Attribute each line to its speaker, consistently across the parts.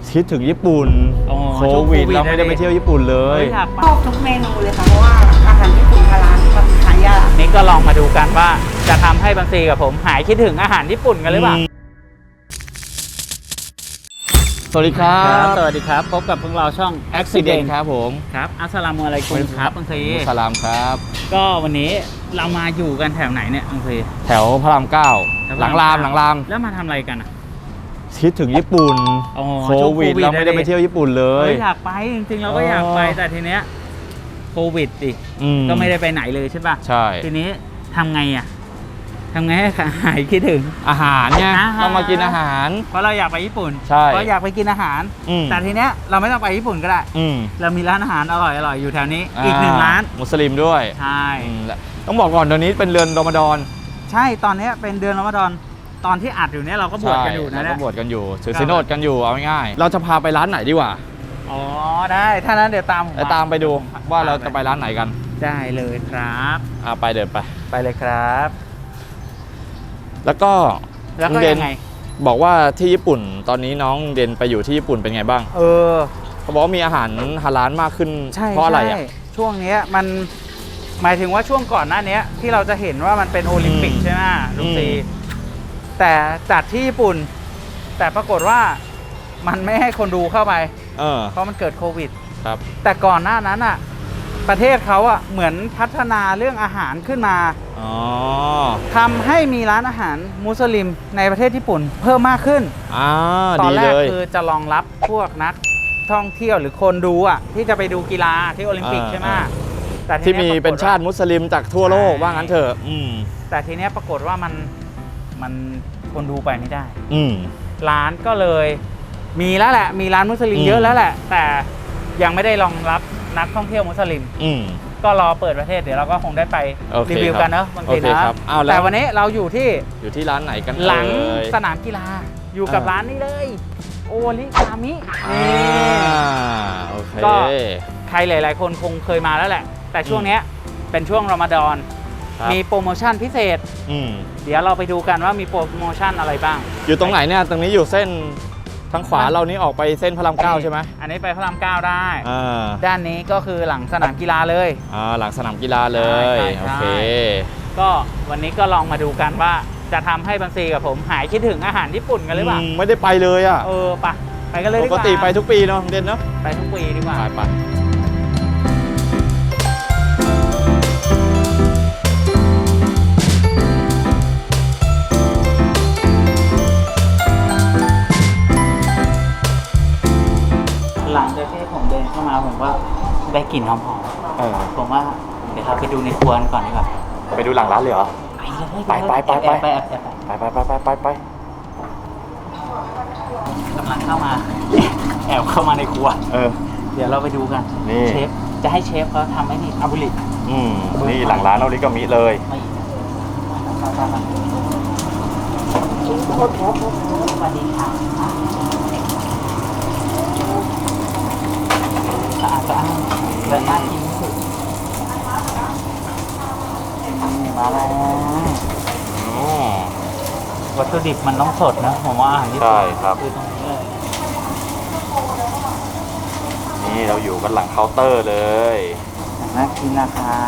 Speaker 1: คิดถึงญี่ปุ่นโควิดเราไม่ได้ไปเที่ยวญี่ปุ่นเลย
Speaker 2: ชอบทุกเมนูเลยค่ะเพราะว่าอาหารญี่ปุ่นฮาลาลมันหายาก
Speaker 3: นี่ก็ลองมาดูกันว่าจะทำให้บังซีกับผมหายคิดถึงอาหารญี่ปุ่นกันหรือเปล่า
Speaker 1: สวัสดีครับ
Speaker 3: สวัสดีครับพบกับพวกเราช่อง
Speaker 1: Accident ครับผม
Speaker 3: ครับอัสสลามุอะลัยกุมครับบังซี
Speaker 1: สลามครับ
Speaker 3: ก็วันนี้เรามาอยู่กันแถวไหนเนี่ยบังซี
Speaker 1: แถวพระรามเก้าหลังราม
Speaker 3: แล้วมาทำอะไรกันอ่ะ
Speaker 1: คิดถึงญี่ปุ่นโควิดเราไม่ได้ไปเที่ยวญี่ปุ่นเลย
Speaker 3: อยากไปจริงๆเราก็อยากไปแต่ทีเนี้ยโควิดดิก็ไม่ได้ไปไหนเลยใช่ป่ะ
Speaker 1: ใช่
Speaker 3: ทีนี้ทำไงอ่ะทำไงให้หายคิดถึง
Speaker 1: อาหารเนี่ยต้องมากินอาหาร
Speaker 3: เพราะเราอยากไปญี่ปุ่น
Speaker 1: ใช่
Speaker 3: เพราะอยากไปกินอาหารแต่ทีเนี้ยเราไม่ต้องไปญี่ปุ่นก็ได้เรามีร้านอาหารอร่อยอยู่แถวนี้อีก1 ร้าน
Speaker 1: มุสลิมด้วย
Speaker 3: ใช่
Speaker 1: ต้องบอกก่อนตอนนี้เป็นเดือนรอมฎอน
Speaker 3: ใช่ตอนนี้เป็นเดือนรอมฎอนตอนที่อัดอยู่เนี่ยเราก็บวชกันอยู่นะ
Speaker 1: เราก็บวชกันอยู่ถือศีลอดกันอยู่เอาง่ายๆเราจะพาไปร้านไหนดีกว่า
Speaker 3: อ๋อได้ถ้านั้นเดี๋ยวตาม
Speaker 1: ไปดูว่าเราจะไปร้านไหนกัน
Speaker 3: ได้เลยครับ
Speaker 1: ไปเดินไป
Speaker 3: เลยครับ
Speaker 1: แล้วก็ยังไงบอกว่าที่ญี่ปุ่นตอนนี้น้องเดนไปอยู่ที่ญี่ปุ่นเป็นไงบ้างเขาบอกว่ามีอาหารฮาลาลมากขึ้นเพราะอะไรอ่ะ
Speaker 3: ช่วงนี้มันหมายถึงว่าช่วงก่อนหน้านี้ที่เราจะเห็นว่ามันเป็นโอลิมปิกใช่ไหมลุงซีแต่จัดที่ญี่ปุ่นแต่ปรากฏว่ามันไม่ให้คนดูเข้าไปเพราะมันเกิดโควิด
Speaker 1: ครับ
Speaker 3: แต่ก่อนหน้านั้นอ่ะประเทศเขาอ่ะเหมือนพัฒนาเรื่องอาหารขึ้นมาทำให้มีร้านอาหารมุสลิมในประเทศญี่ปุ่นเพิ่มมากขึ้นตอนแรกคือจะรองรับพวกนักท่องเที่ยวหรือคนดูอ่ะที่จะไปดูกีฬาที่โอลิมปิกใช่ไหม
Speaker 1: แต่ที่มีเป็นชาติมุสลิมจากทั่วโลกว่างั้นเถอะ
Speaker 3: แต่ทีนี้ปรากฏว่ามันคนดูไปไม่ได้ร้านก็เลยมีแล้วแหละมีร้านมุสลิมเยอะแล้วแหละแต่ยังไม่ได้รองรับนักท่องเที่ยวมุสลิมก็รอเปิดประเทศเดี๋ยวเราก็คงได้ไปรีวิวกันเนอะบางทีนะแต่วันนี้เราอยู่ที่
Speaker 1: ร้านไหนกัน
Speaker 3: หลังสนามกีฬาอยู่กับร้านนี้เลยโอริกามิก็ใครหลายๆคนคงเคยมาแล้วแหละแต่ช่วงนี้เป็นช่วงรอมฎอนมีโปรโมชั่นพิเศษเดี๋ยวเราไปดูกันว่ามีโปรโมชั่นอะไรบ้าง
Speaker 1: อยู่ตรงไหนเนี่ยตรงนี้อยู่เส้นทางขวาเรานี้ออกไปเส้นพระรามเก้าใช่ไหม
Speaker 3: อันนี้ไปพระรามเก้าได้ด้านนี้ก็คือหลังสนามกีฬาเลย
Speaker 1: หลังสนามกีฬาเลยโอเค
Speaker 3: ก็วันนี้ก็ลองมาดูกันว่าจะทำให้บังซีกับผมหายคิดถึงอาหารญี่ปุ่นกันหรือเปล่า
Speaker 1: ไม่ได้ไปเลยอ่ะ
Speaker 3: ไปกันเลยดีกว่า
Speaker 1: ปกติไปทุกปีเนาะเด่นเนาะ
Speaker 3: ไปทุกปีดีกว่า
Speaker 1: ไป
Speaker 3: หลังจากที่ผมเดินเข้ามาผมก็ได้กลิ่นหอมๆผมว่าเดี๋ยวเราไปดูในครัวก่อนดีกว่า
Speaker 1: ไปดูหลังร้านเลยเหรอไป
Speaker 3: กำลังเข้ามาแอบเข้ามาในครัวเดี๋ยวเราไปดูกันเชฟจะให้เชฟเขาทำให้นี่อาบุริ
Speaker 1: นี่หลังร้านเราลิกามิเลย
Speaker 3: สวัสดีค่ะสะอาดเดินหน้ากินสุดมาแล้ววัตถุดิบมันต้องสดนะผมว่าอาหารญี่ปุ่น
Speaker 1: ใช่ครับ
Speaker 3: คือตรงนี้เลย
Speaker 1: นี่เราอยู่กันหลังเคาน์เตอร์เลย
Speaker 3: น่ากินนะคะ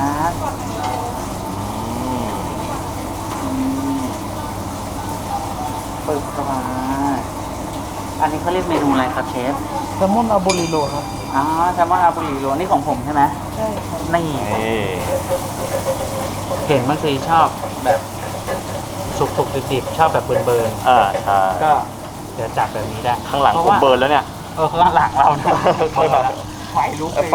Speaker 3: เปิดเข้ามาอันนี้เขาเรียกเมนูอะไรครับเชฟ
Speaker 2: แซลมอนอาบูริโรครับ
Speaker 3: แซลมอนอาบูริโรนี่ของผมใช่ไหม
Speaker 2: ใช่ครับ
Speaker 3: นี่เห็นบางทีชอบแบบสุกๆดิบๆชอบแบบเบิร์น
Speaker 1: ใช่
Speaker 3: ก็เดี๋ยวจัดแบบนี้ได้
Speaker 1: ข้างหลังผมเบิร์นแล้วเนี่ย
Speaker 3: ข้างหลังเราเนี่ยไฟลุก
Speaker 1: แล้ว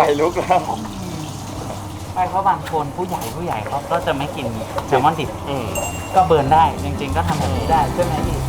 Speaker 3: ไม่เพราะบางคนผู้ใหญ่เขาก็จะไม่กินแซลมอนดิบก็เบิร์นได้จริงๆก็ทำแบบนี้ได้ใช่ไหมพี่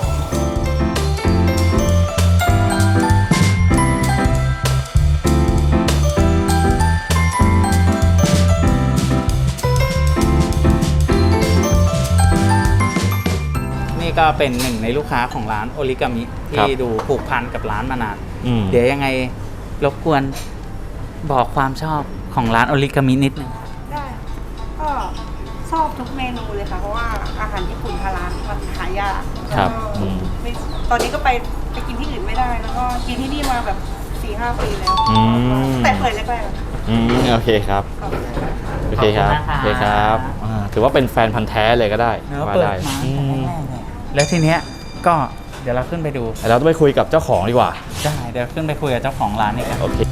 Speaker 3: ก็เป็นหนึ่งในลูกค้าของร้านโอริกามิที่ดูผูกพันกับร้านมานานเดี๋ยวยังไงรบกวนบอกความชอบของร้านโอริกามินิดนึง
Speaker 2: ได้ก็ชอบทุกเมนูเลยค่ะเพราะว่าอาหารญี่ปุ่นฮาลาลมันหายาก
Speaker 1: ครับ
Speaker 2: ตอนนี้ก็ไปกินที่อื่นไม่ได้แล้วก็กินที่นี่มาแบบ 4-5 ปีแล้ว แต่เปิดแรกๆ
Speaker 1: โอเคครับ โอเคครับ โอเคครับถือว่าเป็นแฟนพันธ์แท้เลยก็ได้
Speaker 3: เนื้อ
Speaker 1: ว่า
Speaker 3: เปิด
Speaker 1: ได้
Speaker 3: มาตั้งแต่แรกๆเลยแล้วทีเนี้ยก็เดี๋ยวเราขึ้นไปดู
Speaker 1: เราต้องไปคุยกับเจ้าของดีกว่า
Speaker 3: ได้เดี๋ยวขึ้นไปคุยกับเจ้าของร้านนี่กัน
Speaker 1: โอเค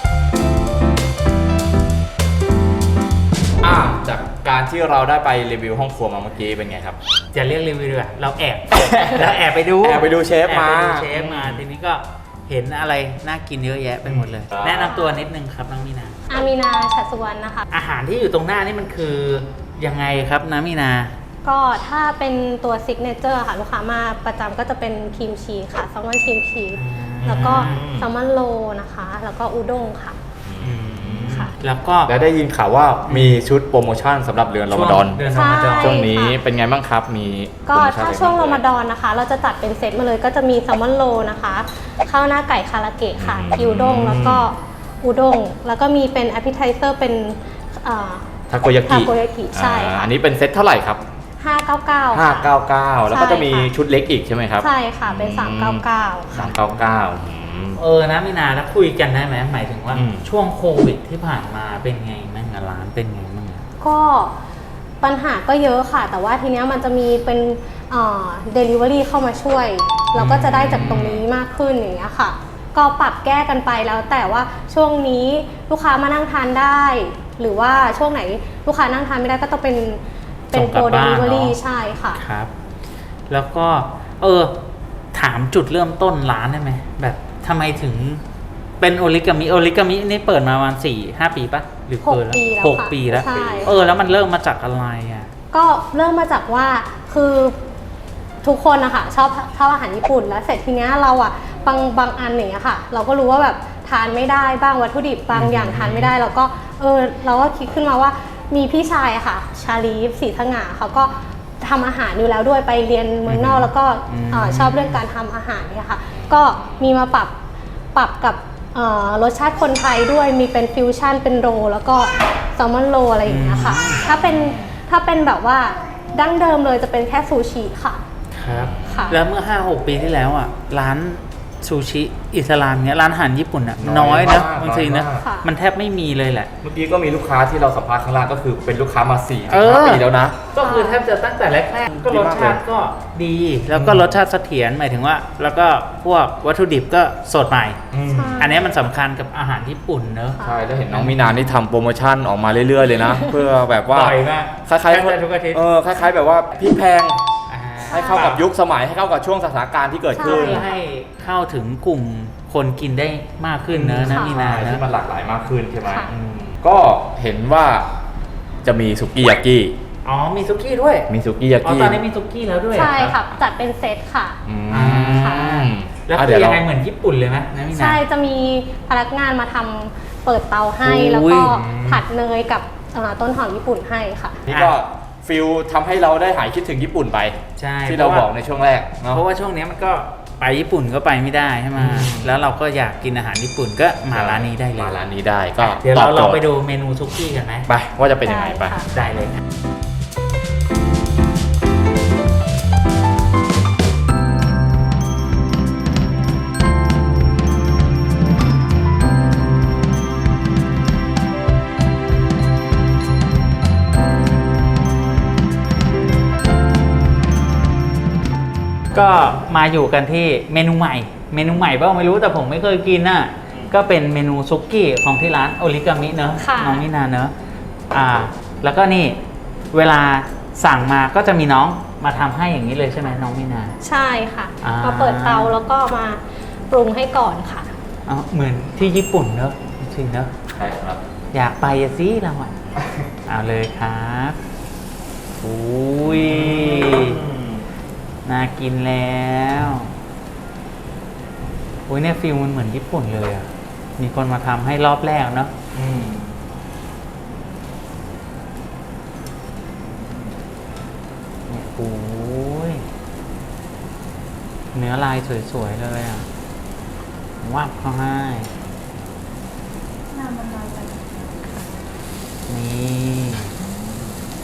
Speaker 1: จากการที่เราได้ไปรีวิวห้องครัวมาเมื่อกี้เป็นไงครับ
Speaker 3: จะเรียกรีวิวดีกว่าเราแอบ เราแอบไปดู
Speaker 1: แอบไปดูเชฟมา
Speaker 3: แอบไปดูเชฟมาทีนี้ก็เห็นอะไรน่ากินเยอะแยะไปหมดเลย แนะนำตัวนิดนึงครับน้องมีนา
Speaker 4: อามีนาชัดสุวรรณนะคะ
Speaker 3: อาหารที่อยู่ตรงหน้านี่มันคือยังไงครับน้ำมีนา
Speaker 4: ก็ถ้าเป็นตัวซิกเนเจอร์ค่ะ ลูกค้ามาประจำก็จะเป็นครีมชีสค่ะแซลมอนครีมชีสแล้วก็แซลมอนโรนะคะ แล้วก็อุด้งค่ะ ค่ะ
Speaker 3: แล้วก็
Speaker 1: และได้ยินข่าวว่ามีชุดโปรโมชั่นสำหรับเดือนรอมฎอน
Speaker 3: เดือนรอมฎอน
Speaker 4: ใช่
Speaker 1: ช่วงนี้เป็นไงบ้างครับ มี
Speaker 4: ก็
Speaker 1: โปรโมชั่น
Speaker 4: ถ้า
Speaker 1: อะไร
Speaker 4: ช่วง
Speaker 1: บ้
Speaker 4: รอมฎอนนะคะ เราจะจัดเป็นเซตมาเลยก็จะมีแซลมอนโรนะคะข้าวหน้าไก่คาราเกะค่ะกิวด้งแล้วก็อุด้งแล้วก็มีเป็นแอปเปิลไทเซอร์เป็น
Speaker 1: ทาโกยา
Speaker 4: ทา
Speaker 1: กิ
Speaker 4: โกยากิใช่ค่ะ
Speaker 1: อันนี้เป็นเซตเท่าไหร่ครับ
Speaker 4: 599 ค่ะ
Speaker 1: 599 แล้วก็จะมีชุดเล็กอีกใช่ไหมครับ
Speaker 4: ใช่ค่ะ เป็น 399 ค่ะ
Speaker 1: 399
Speaker 3: นะมีนาแล้วคุยกันได้ไหมหมายถึงว่า
Speaker 1: อืม
Speaker 3: ช่วงโควิดที่ผ่านมาเป็นไงบ้างอะร้านเป็นไงบ้างอะ
Speaker 4: ก็ปัญหาก็เยอะค่ะ แต่ว่าทีเนี้ยมันจะมีเป็นdelivery เข้ามาช่วย เราก็จะได้จากตรงนี้มากขึ้นอย่างเงี้ยค่ะ ก็ปรับแก้กันไปแล้วแต่ว่าช่วงนี้ลูกค้ามานั่งทานได้ หรือว่าช่วงไหนลูกค้านั่งทานไม่ได้ก็ต้องเป็นโปร delivery ใช่ค่ะ
Speaker 3: ครับ แล้วก็ถามจุดเริ่มต้นร้านได้ไหมแบบทำไมถึงเป็นโอริกามินี่เปิดมาประมาณ4-5 ปีปะหรือเกินแล้ว
Speaker 4: 6 ปีแล้วค่ะ
Speaker 3: 6 ปีแล้ว
Speaker 4: ใช่
Speaker 3: แล้วมันเริ่มมาจากอะไรอ่ะ
Speaker 4: ก็เริ่มมาจากว่าคือทุกคนนะคะชอบอาหารญี่ปุ่นแล้วเสร็จทีเนี้ยเราอะบางอันอย่างเงี้ยค่ะ เราก็รู้ว่าแบบทานไม่ได้บ้างวัตถุดิบบางอย่างทานไม่ได้เราก็เราก็คิดขึ้นมาว่ามีพี่ชายอะค่ะ ชาลีฟศรีสง่าเขาก็ทำอาหารอยู่แล้วด้วยไปเรียนเมืองนอกแล้วก็ชอบเรื่องการทำอาหารเนี่ยค่ะก็มีมาปรับกับรสชาติคนไทยด้วยมีเป็นฟิวชั่นเป็นโรลแล้วก็แซลมอนโรลอะไรอย่างเงี้ยค่ะถ้าเป็นแบบว่าดั้งเดิมเลยจะเป็นแค่ซูชิค่ะ
Speaker 3: ครับ
Speaker 4: ค่ะ
Speaker 3: แล้วเมื่อ 5-6 ปีที่แล้วอ่ะร้านซูชิอิสลามเนี้ยร้านอาหารญี่ปุ่นอ่ะน้อยนะบางทีนะ
Speaker 4: ค่ะ
Speaker 3: มันแทบไม่มีเลยแหละ
Speaker 1: เมื่อกี้ก็มีลูกค้าที่เราสัมภาษณ์ข้างล่างก็คือเป็นลูกค้ามา4-5
Speaker 3: เออ
Speaker 1: ปีแล้วนะ
Speaker 3: ก็คือแทบจะตั้งแต่แรกๆก็
Speaker 1: ดี
Speaker 3: รส
Speaker 1: มากเลย
Speaker 3: ชาติก็ดี แล้วก็รสชาติเสถียรหมายถึงว่า แล้วก็พวกวัตถุดิบก็สดใหม่
Speaker 4: ใช่
Speaker 3: อันนี้มันสำคัญกับอาหารญี่ปุ่นเนอะ
Speaker 1: ใช่แล้วเห็นน้องมีนานี่ทำโปรโมชั่นออกมาเรื่อยๆเลยนะ เพื่อแบบว่า
Speaker 3: บ่อยมาก
Speaker 1: คล้าย
Speaker 3: แทบจะทุกอาทิตย์
Speaker 1: คล้ายๆแบบว่าพริกแพง
Speaker 3: อ่า
Speaker 1: ให้เข้ากับยุคสมัยให้เข้ากับช่วงสถานการณ์ที่เกิดขึ้น
Speaker 3: เพื่อให้เข้าถึงกลุ่มคนกินได้มากขึ้นเนอะนะ
Speaker 4: ค่ะ
Speaker 3: มีนา
Speaker 1: ที่
Speaker 3: นะ
Speaker 1: มันหลากหลายมากขึ้นใช่ไหม
Speaker 4: ค่ะ
Speaker 1: ก็เห็นว่าจะมีสุกี้ยากิ
Speaker 3: อ๋อมีซุกี้ด้วย
Speaker 1: มีสุกี้ยา
Speaker 3: อ๋อ
Speaker 1: กิ
Speaker 3: ตอนนี้มีซุกี้แล้วด้วย
Speaker 4: ใช่
Speaker 3: เหรอ
Speaker 4: ค่ะจัดเป็นเซตค่ะ
Speaker 1: อืม
Speaker 4: ค่ะ
Speaker 3: แล้ว
Speaker 1: อ่ะ
Speaker 3: คื
Speaker 1: เดี๋ยว
Speaker 3: อยั
Speaker 1: เรา
Speaker 3: งไงเหมือนญี่ปุ่นเลยไหมนะมีนา
Speaker 4: ใช่จะมีพนักงานมาทำเปิดเตาให้
Speaker 3: โอ้ย
Speaker 4: แล้วก็ผัดเนยกับต้นหอมญี่ปุ่นให้ค่ะ
Speaker 1: นี่ก็ฟิลทำให้เราได้หายคิดถึงญี่ปุ่นไป
Speaker 3: ใช่
Speaker 1: ที่เราบอกในช่วงแรกเนาะ
Speaker 3: เพราะว่าช่วงนี้มันก็ไปญี่ปุ่นก็ไปไม่ได้ใช่ไหมแล้วเราก็อยากกินอาหารญี่ปุ่นก็มาร้านนี้ได้เลย
Speaker 1: มาร้านนี้ได้ก็
Speaker 3: เดี๋ยว
Speaker 1: ต
Speaker 3: เรา
Speaker 1: อบโจ
Speaker 3: ลอง
Speaker 1: ท
Speaker 3: ไป
Speaker 1: ย์
Speaker 3: ดูเมนูซุกี้กันไหม
Speaker 1: ไปว่าจะเป็นยังไงไป
Speaker 4: ได้ค่ะ
Speaker 3: ได้เลยครับ ก็มาอยู่กันที่เมนูใหม่บ้างไม่รู้แต่ผมไม่เคยกินน่ะก็เป็นเมนูซุกี้ของที่ร้านโอริกามิเนอะ
Speaker 4: ค่ะ
Speaker 3: น้องมินาเนอะแล้วก็นี่เวลาสั่งมาก็จะมีน้องมาทำให้อย่างนี้เลยใช่ไหมน้องมินา
Speaker 4: ใช่ค่ะ
Speaker 3: อ่า
Speaker 4: มาเปิดเตาแล้วก็มาปรุงให้ก่อนค่ะ
Speaker 3: อ๋อเหมือนที่ญี่ปุ่นเนอะจริงๆเนอะ
Speaker 1: ใช่ครับ
Speaker 3: อยากไปอะสิเราอ่ะ เอาเลยครับอุ้ยน่ากินแล้วอุ้ยเนี่ยฟิลมันเหมือนญี่ปุ่นเลยอ่ะมีคนมาทำให้รอบแรกเนาะ เนี่ยโอ้ยเนื้อลายสวยๆเลยอ่ะวับเขาให้นี่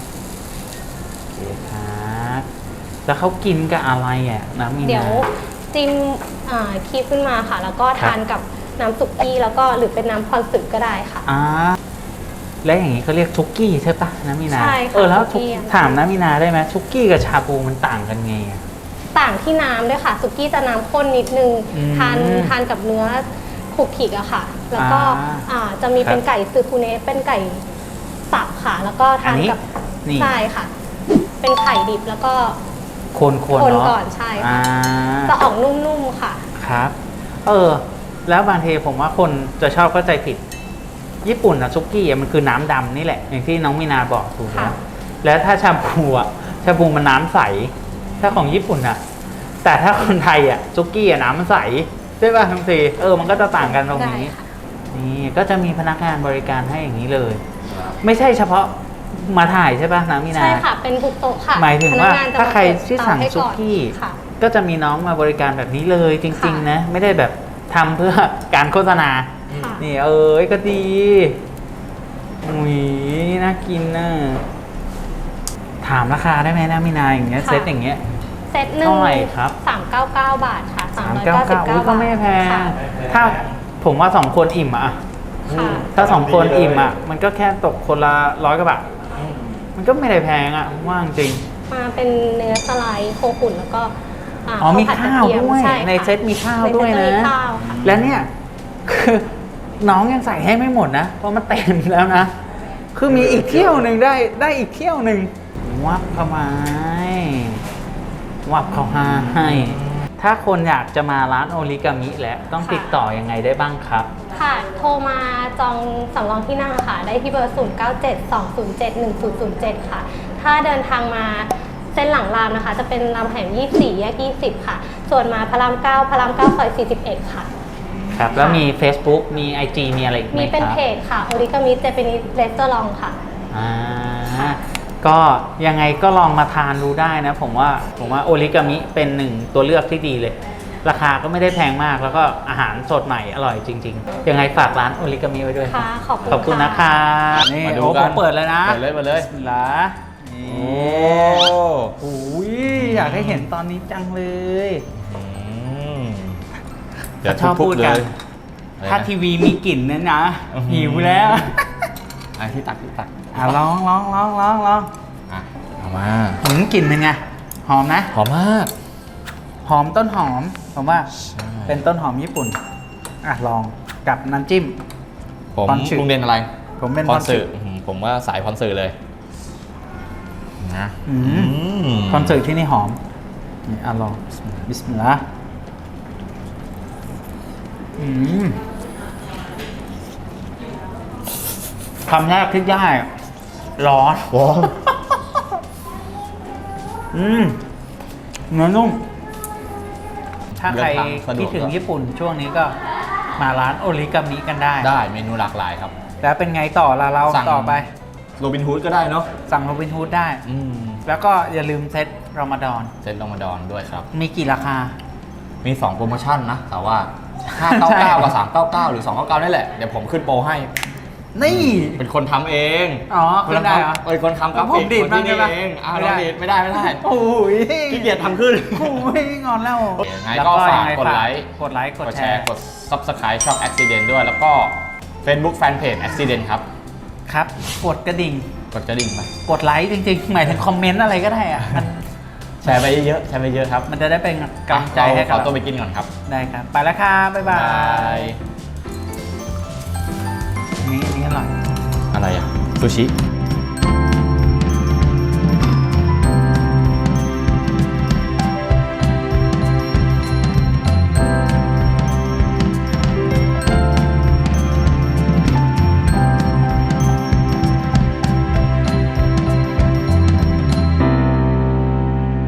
Speaker 3: โอเคครับแล้วเขากินกับอะไรอ่ะน้ำมีนา
Speaker 4: เดี๋ยวจิ้มคีบขึ้นมาค่ะ แล้วก็ทานกับน้ำสุกี้แล้วก็หรือเป็นน้ำคอนสึก็ได้ค่ะ
Speaker 3: และอย่างนี้เขาเรียกซุกี้ใช่ปะน้ำมีนา
Speaker 4: ใช่ค่ะ
Speaker 3: แล้ว
Speaker 4: ซุกี้
Speaker 3: ถามน้ำมีนาได้ไหมซุกี้กับชาบูมันต่างกันไงอะ
Speaker 4: ต่างที่น้ำด้วยค่ะสุกี้จะน้ำข้นนิดนึง
Speaker 3: อืม
Speaker 4: ทานกับเนื้อขูกขีกอะค่ะ แล้วก็จะมีเป็นไก่ซึคุเนะเป็นไก่สับค่ะ แล้วก็ทานกับ
Speaker 3: นี่
Speaker 4: ใช่ค่ะ เป็นไข่ดิบแล้วก็
Speaker 3: คน
Speaker 4: คน
Speaker 3: เนาะ
Speaker 4: ก่อนใช่ค่ะจะออกนุ่มๆค่ะ
Speaker 3: ครับ แล้วบางทีผมว่าคนจะชอบเข้าใจผิด ญี่ปุ่นอะซุกี้อะมันคือน้ำดำนี่แหละ อย่างที่น้องมีนาบอกถูกแล้ว
Speaker 4: ค่ะ
Speaker 3: แล้วถ้าชาบูมันน้ำใส ถ้าของญี่ปุ่นอะแต่ถ้าคนไทยอะซุกี้อะน้ำมันใสใช่ป่ะทั้งทีมันก็จะต่างกันตรง
Speaker 4: ได้
Speaker 3: นี้
Speaker 4: ค่ะ
Speaker 3: นี่ก็จะมีพนักงานบริการให้อย่างนี้เลย ไม่ใช่เฉพาะมาถ่ายใช่ป่ะน้ำมีนา
Speaker 4: ใช่ค่ะ เป็นทุกโต๊ะค่ะ
Speaker 3: หมายถึงว่า
Speaker 4: พนักนจะ
Speaker 3: ถ้าใคร
Speaker 4: มเปิด
Speaker 3: ที่สั่ง
Speaker 4: เตาให้
Speaker 3: ซุกี้
Speaker 4: ค่ะ
Speaker 3: ก็จะมีน้องมาบริการแบบนี้เลยจริง
Speaker 4: ค่ะ
Speaker 3: ๆ นะ ไม่ได้แบบทำเพื่อการโฆษณา
Speaker 4: ค่ะ
Speaker 3: นี่ก็ดีอุ้ยน่ากินนะถามราคาได้ไหมนะมีนาอย่างเงี้ย
Speaker 4: ค่ะ
Speaker 3: เซตอย่างเงี้ย
Speaker 4: เซตหนึ่ง
Speaker 3: เท่าไหร่ครับ
Speaker 4: 399 บาทค่ะ 399
Speaker 3: อุ้ยก็ไม่แพง
Speaker 4: ค่ะ
Speaker 3: ถ้าผมว่า2 คนอิ่มอะ
Speaker 4: ค่ะ
Speaker 3: ถ้า2 คนอิ่มอะมันก็แค่ตกคนละ100 กว่าบาทมันก็ไม่ได้แพงอะว่างจริง
Speaker 4: มาเป็นเนื้อสไลด์โคขุนแล้วก็
Speaker 3: มี
Speaker 4: ผัดกระ
Speaker 3: ข้าว
Speaker 4: เทียม
Speaker 3: ด้วย
Speaker 4: ช่ค่ะ
Speaker 3: ในเซตมีข้าว
Speaker 4: ในเซต
Speaker 3: ด้วย
Speaker 4: จะ
Speaker 3: นะ
Speaker 4: มีข้าวค่ะ
Speaker 3: และเนี่ยคือน้องยังใส่ให้ไม่หมดนะ เพราะมันเต็มแล้วนะ คือมีอีกเที่ยวหนึ่งได้อีกเที่ยวหนึ่งวับเข้ามาวับเข้าให้ ถ้าคนอยากจะมาร้านโอริกามิแล้วต้องติดต่อยังไงได้บ้างครับ
Speaker 4: ค่ะ โทรมาจองสำรองที่นั่งค่ะ ได้ที่เบอร์ 0972071007 ค่ะ ถ้าเดินทางมาเส้นหลังรามนะคะ จะเป็นรามคำแหง24 แยก 20 ค่ะ ส่วนมาพระราม 9 พระราม 9 ซอย 41 ค่ะ
Speaker 3: ครับ แล้วมี Facebook มี IG มีอะไรอีกไหม
Speaker 4: มี
Speaker 3: ครับ
Speaker 4: เป็นเพจค่ะ โอริกามิเจแปนิสเรสเตอรองค่ะ
Speaker 3: ก็ยังไงก็ลองมาทานดูได้นะ ผมว่าโอริกามิเป็นหนึ่งตัวเลือกที่ดีเลย ราคาก็ไม่ได้แพงมากแล้วก็อาหารสดใหม่อร่อยจริงๆ ยังไงฝากร้านโอริกามิไว้ด้วย
Speaker 4: ค่ะ ขอบคุณ
Speaker 3: ขอบคุณ
Speaker 4: ค่ะ
Speaker 3: นะคะนี่
Speaker 1: มาดู
Speaker 3: โอ้
Speaker 1: กั
Speaker 3: ผ
Speaker 1: น
Speaker 3: มเปิดเลยนะ
Speaker 1: เปิดเลย
Speaker 3: เหรอนี่
Speaker 1: โอ้
Speaker 3: โอ้ยอยากให้เห็นตอนนี้จังเลย
Speaker 1: เดี๋ยว
Speaker 3: ชอบ
Speaker 1: ทุบ
Speaker 3: พูด
Speaker 1: ๆเล
Speaker 3: กัน
Speaker 1: ย
Speaker 3: ถ้าทีวีมีกลิ่นเนี่ยนะ
Speaker 1: อื้อหือ
Speaker 3: หิวแล้ว
Speaker 1: ที่ตัก
Speaker 3: ลอง
Speaker 1: อ่ะเอามา
Speaker 3: กลิ่นเป็นไงหอมนะ
Speaker 1: หอมมาก
Speaker 3: หอมต้นหอมผมว่า
Speaker 1: ใช่
Speaker 3: เป็นต้นหอมญี่ปุ่นลองกับน้ำจิ้ม
Speaker 1: ผม
Speaker 3: พรสึ
Speaker 1: ลุงเด่นอะไร
Speaker 3: ผมเป็น
Speaker 1: พ
Speaker 3: พ
Speaker 1: ร
Speaker 3: รสึ
Speaker 1: สึผมว่าสายพรสึเลยนะ
Speaker 3: คอนเสิร์ตที่นี่หอมนี่ลองบิสมิลลาห์คำแรกที่ได้ร้อน
Speaker 1: ว้าว
Speaker 3: เนื้อนุ่ม ถ้าใคร
Speaker 1: เดินทางสะดวก
Speaker 3: คิดถึงญี่ปุ่นช่วงนี้ก็มาร้านโอริกามิกันได้
Speaker 1: ได้เมนูหลากหลายครับ
Speaker 3: แล้วเป็นไงต่อละเรา
Speaker 1: สั่ง
Speaker 3: ต่อไป
Speaker 1: โรบินฮูดก็ได้เนาะ
Speaker 3: สั่งโรบินฮูดได้ แล้วก็อย่าลืมเซตรอมฎอน
Speaker 1: เซตรอมฎอนด้วยครับ
Speaker 3: มีกี่ราคา
Speaker 1: มี 2 โปรโมชั่นนะ แต่ว่า
Speaker 3: ใช่
Speaker 1: 599 กับ 399 หรือ 299 นี่แหละ เดี๋ยวผมขึ้นโปรให้
Speaker 3: นี่
Speaker 1: เป็นคนทำเอง
Speaker 3: อ๋อขึ้นได้เหรอ
Speaker 1: เป็นคนทำกรา
Speaker 3: ผ
Speaker 1: ฟิ
Speaker 3: ม
Speaker 1: ก
Speaker 3: ดีด
Speaker 1: คนที่นี่
Speaker 3: บ้างได้ปะ
Speaker 1: เองอ้าว
Speaker 3: ไม่
Speaker 1: เรา
Speaker 3: ได้
Speaker 1: ดีดไม่ได้
Speaker 3: โอ้ย
Speaker 1: ขี้เกียจทำขึ้น
Speaker 3: โอ้ยงอนแล้ว
Speaker 1: ยังไงก็ฝากกดไลค์
Speaker 3: กดไลค์ ก
Speaker 1: ก
Speaker 3: ด
Speaker 1: ด
Speaker 3: แช
Speaker 1: แช
Speaker 3: ร์
Speaker 1: ร์ กด Subscribe ช่อง Accident ด้วย แล้วก็ Facebook Fanpage Accident ครับ
Speaker 3: ครับ กดกระดิ่ง
Speaker 1: กดกระดิ่งไป
Speaker 3: กดไลค์จริงๆ หมายถึงคอมเมนต์อะไรก็ได้อะมัน
Speaker 1: แชร์ไปเยอะๆแชร์ไปเยอะครับ
Speaker 3: มันจะได้เป็นกำลังใจให้
Speaker 1: ข
Speaker 3: กับ
Speaker 1: อตัว
Speaker 3: เรา
Speaker 1: ไปกินก่อนครับ
Speaker 3: ได้ครับ ไปแล้วครับบ๊ายบาย
Speaker 1: ย
Speaker 3: นี่อร่อย
Speaker 1: อะไรอ่ะซูชิ